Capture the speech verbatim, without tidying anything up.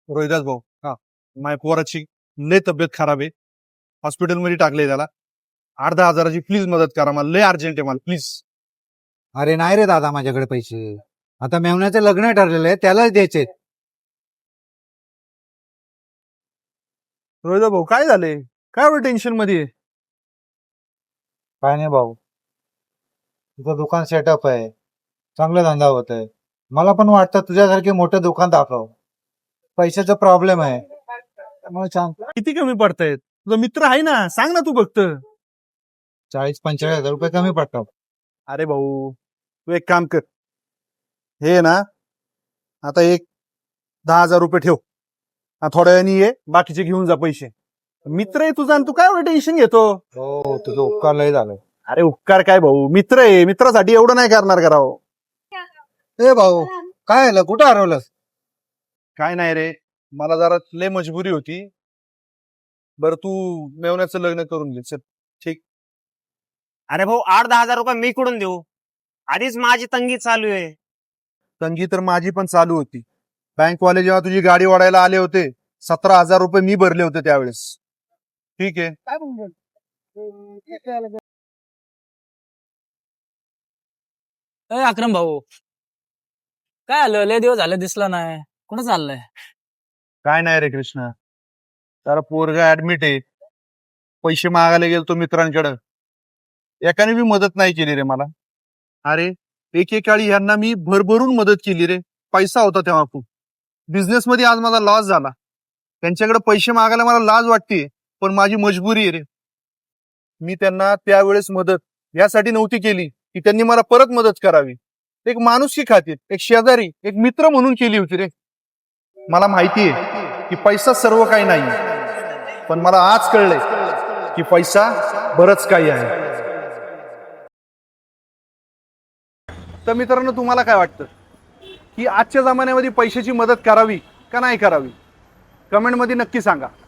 रोहिदास भाऊ, हा माझ्या पोराची लय तब्येत खराब आहे, हॉस्पिटलमध्ये टाकले त्याला. आठ दहा हजाराची प्लीज मदत करा, मला लय अर्जंट आहे मला प्लीज. अरे नाही रे दादा, माझ्याकडे पैसे. आता मेवण्याचं लग्न ठरलेलं आहे, त्यालाच द्यायचे. रोहिदास भाऊ काय झाले, काय एवढं टेन्शन मध्ये आहे? काय नाही भाऊ, तुझं दुकान सेटअप आहे, चांगला धंदा होत आहे. मला पण वाटतं तुझ्यासारखे मोठं दुकान दाखव. पैशाचा प्रॉब्लेम आहे त्यामुळे सांग. किती कमी पडतायत? तुझा मित्र आहे ना, सांग ना तू फक्त. चाळीस पंचेचाळीस हजार रुपये कमी पडतात. अरे भाऊ तू एक काम कर, हे ना आता एक दहा हजार रुपये ठेव, हा थोड्या वेळाने ये, बाकीचे घेऊन जा पैसे. मित्र आहे तुझा आणि तू काय एवढं टेन्शन घेतो? हो, तुझं उपकार लय झालं. अरे उपकार काय भाऊ, मित्र आहे, मित्रासाठी एवढं नाही करणार का राव? ए भाऊ, काय झालं, कुठं हरवलंस? काय नाही रे, मला जरा लय मजबुरी होती. बरं तू मेवण्याचं लग्न करून घे चल. ठीक. अरे भाऊ, आठ दहा हजार रुपये मी कुठून देऊ? आधीच माझी तंगी चालू आहे. तंगी तर माझी पण चालू होती. बँकवाले जेव्हा तुझी गाडी ओढायला आले होते, सतरा हजार रुपये मी भरले होते त्यावेळेस. ठीक आहे. ए अक्रम भाऊ, काय आलं? लय दिवस झाले दिसला नाही, कुठं चाललंय? काय नाही रे कृष्णा, जरा पोरगा ऍडमिट आहे, पैसे मागायला गेलो तो मित्रांकडे, एकाने बी मदत नाही केली रे मला. अरे एकेकाळी यांना मी भरभरून मदत केली रे, पैसा होता तेव्हा खूप. बिझनेस मध्ये आज माझा लॉस झाला, त्यांच्याकडे पैसे मागायला मला लाज वाटते, पण माझी मजबुरी आहे रे. मी त्यांना त्यावेळेस मदत यासाठी नव्हती केली की त्यांनी मला परत मदत करावी, एक माणुसकी खातीर, एक शेजारी, एक मित्र म्हणून केली होती रे. मला माहिती आहे की पैसा सर्व काही नाही, पण मला आज कळलंय की पैसा बरंच काही आहे. तर मित्रांनो, तुम्हाला काय वाटतं की आजच्या जमान्यामध्ये पैशाची मदत करावी का नाही करावी? कमेंटमध्ये नक्की सांगा.